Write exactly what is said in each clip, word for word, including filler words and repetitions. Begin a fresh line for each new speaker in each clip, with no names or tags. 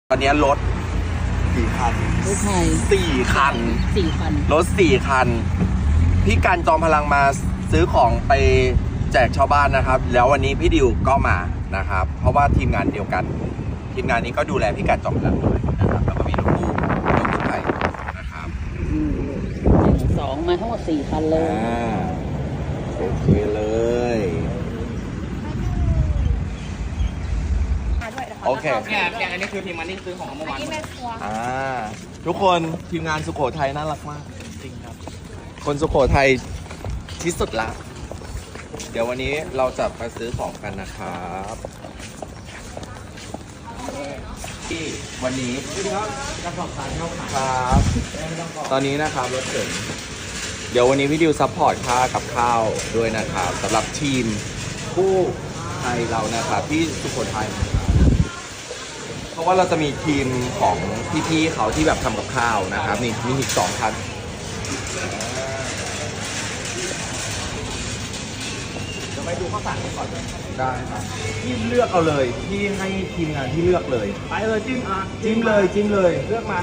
ตอนนี้รถกี่คัน
รถไทย
สี่คัน
สี่คัน
รถสี่คัน พี่กันจอมพลังมาซื้อของไปแจกชาวบ้านนะครับ แล้ววันนี้พี่ดิวก็มานะครับ เพราะว่าทีมงานเดียวกัน ทีมงานนี้ก็ดูแลพี่กันจอมพลังด้วยนะครับ แล้วก็มีรถตู้รถกู้ภัยนะครับ
อืมหนึ่งสองมาทั้งหมดสี่คันเลย
อ่าโอเคเลยโอเค
เนี่ยอย่างอันนี้คือทีมมันนี่ซื้อของเมื่อวาน
อ่าทุกคนทีมงานสุโขทัยน่ารักมากจริงครับ คนสุโขทัยที่สุดละ เดี๋ยววันนี้เราจะไปซื้อของกันนะครับที่วันนี้กระสอบทรายเข้าขายครับตอนนี้นะครับรถเก๋งเดี๋ยววันนี้พี่ดิวซัพพอร์ตค่ากับข้าวด้วยนะครับสำหรับทีมผู้ไทยเรานะครับที่สุโขทัยเพราะว่าเราจะมีทีมของพี่ๆเขาที่แบบทำกับข้าวนะครับนี่มีอีกสองคันเดี๋ยวไปดูข้าวสารกันก่อนได้ครับพี่เลือกเอาเลยพี่ให้ทีมงานที่เลือกเลย
ไปเลยจิ้มอ่ะ
จิ้มเลยจิ้มเลย
เลือกมา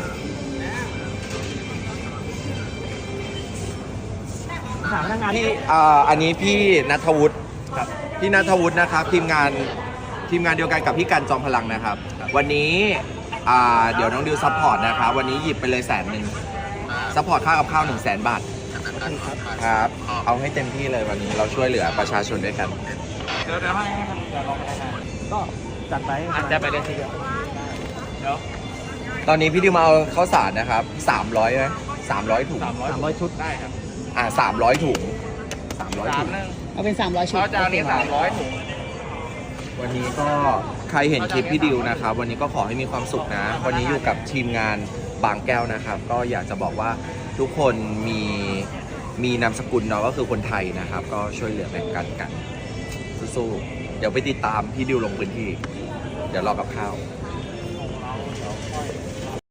ถามพนักงาน
พี่อ่าอันนี้พี่ณัฐวุฒิครับพี่ณัฐวุฒินะครับทีมงานทีมงานเดียวกันกับพี่กันจอมพลังนะครับ วันนี้อ่าเดี๋ยวน้องดิวซัพพอร์ตนะครับวันนี้หยิบไปเลยแสนหนึ่งซัพพอร์ตค่ากับข้าวหนึ่งแสนบาทครับเอาให้เต็มที่เลยวันนี้เราช่วยเหลือประชาชนด้วยกัน
เดี๋ยวเดี๋ยวให้ให้เดี๋ยวรอพนักงานก็จัดไปอาจจะไปเลยทีเดียวเดี๋ยว
ตอนนี้พี่ดิวมาเอาข้าวสารนะครับสามร้อยไหมสามร้อยถุง
สามร้อยสามร้อยชุดได้ครับ
อ่าสามร้อยถุงสามร้อย
สา
ถุ
ม
ง
หนึ่ง
เอาเป็นสามร้อยชุด
เขาจะเอานี้สามร้อยถุง
วันนี้ก็ใครเห็นคลิปพี่ดิวนะครับวันนี้ก็ขอให้มีความสุขนะวันนี้อยู่กับทีมงานบางแก้วนะครับ ก็อยากจะบอกว่าทุกคนมีมีนามสกุลเนาะก็คือคนไทยนะครับ ก็ช่วยเหลือแบ่งกันกันสู้ๆเดี๋ยวไปติดตามพี่ดิวลงพื้นที่ เดี๋ยวรอกับข้าว
ค